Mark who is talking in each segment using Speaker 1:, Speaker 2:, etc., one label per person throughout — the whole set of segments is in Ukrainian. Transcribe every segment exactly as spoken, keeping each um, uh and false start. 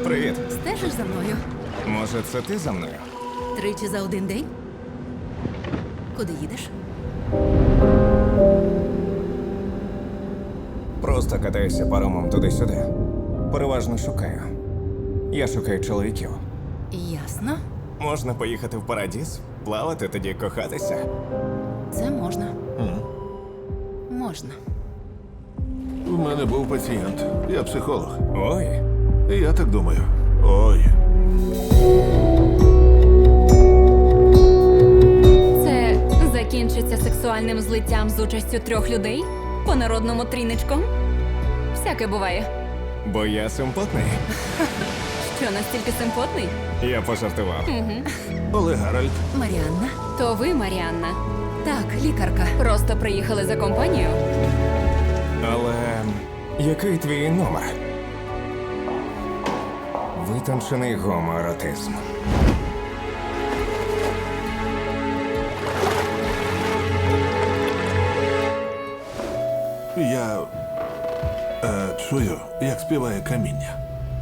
Speaker 1: Привіт.
Speaker 2: Стежиш за мною?
Speaker 1: Може, це ти за мною?
Speaker 2: Тричі за один день? Куди їдеш?
Speaker 1: Просто катаюся паромом туди-сюди. Переважно шукаю. Я шукаю чоловіків.
Speaker 2: Ясно.
Speaker 1: Можна поїхати в Парадіз, плавати, тоді кохатися.
Speaker 2: Це можна. Можна.
Speaker 3: У мене був пацієнт. Я психолог.
Speaker 1: Ой,
Speaker 3: І я так думаю. Ой.
Speaker 4: Це закінчиться сексуальним злиттям з участю трьох людей? По народному тріничком? Всяке буває.
Speaker 1: бо я симпотний.
Speaker 4: Що, настільки симпотний?
Speaker 1: Я пожартував.
Speaker 3: Олег Гаральд.
Speaker 2: Маріанна?
Speaker 4: То ви, Маріанна,
Speaker 2: Так, лікарка.
Speaker 4: просто приїхали за компанію?
Speaker 1: Але який твій номер? Витончений гомоеротизм.
Speaker 3: Я е, чую, як співає каміння.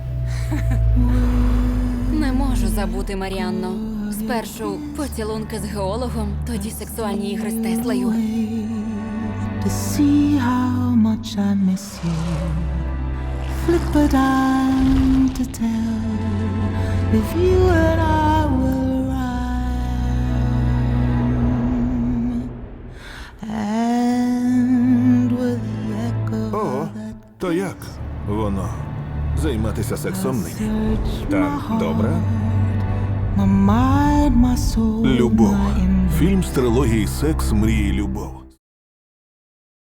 Speaker 4: Не можу забути, Маріанно. Спершу поцілунки з геологом, тоді сексуальні ігри з Теслою.
Speaker 5: To see how much I miss you. Flip a dime to tell if you and I will rhyme. And with the echo
Speaker 3: Ого,
Speaker 5: that
Speaker 3: то як воно займатися сексом нині?
Speaker 5: search
Speaker 1: Так,
Speaker 5: my
Speaker 1: добре.
Speaker 5: heart, my mind, my soul,
Speaker 3: Любов.
Speaker 5: my
Speaker 3: Фільм з трилогії «Секс, мрії, любов».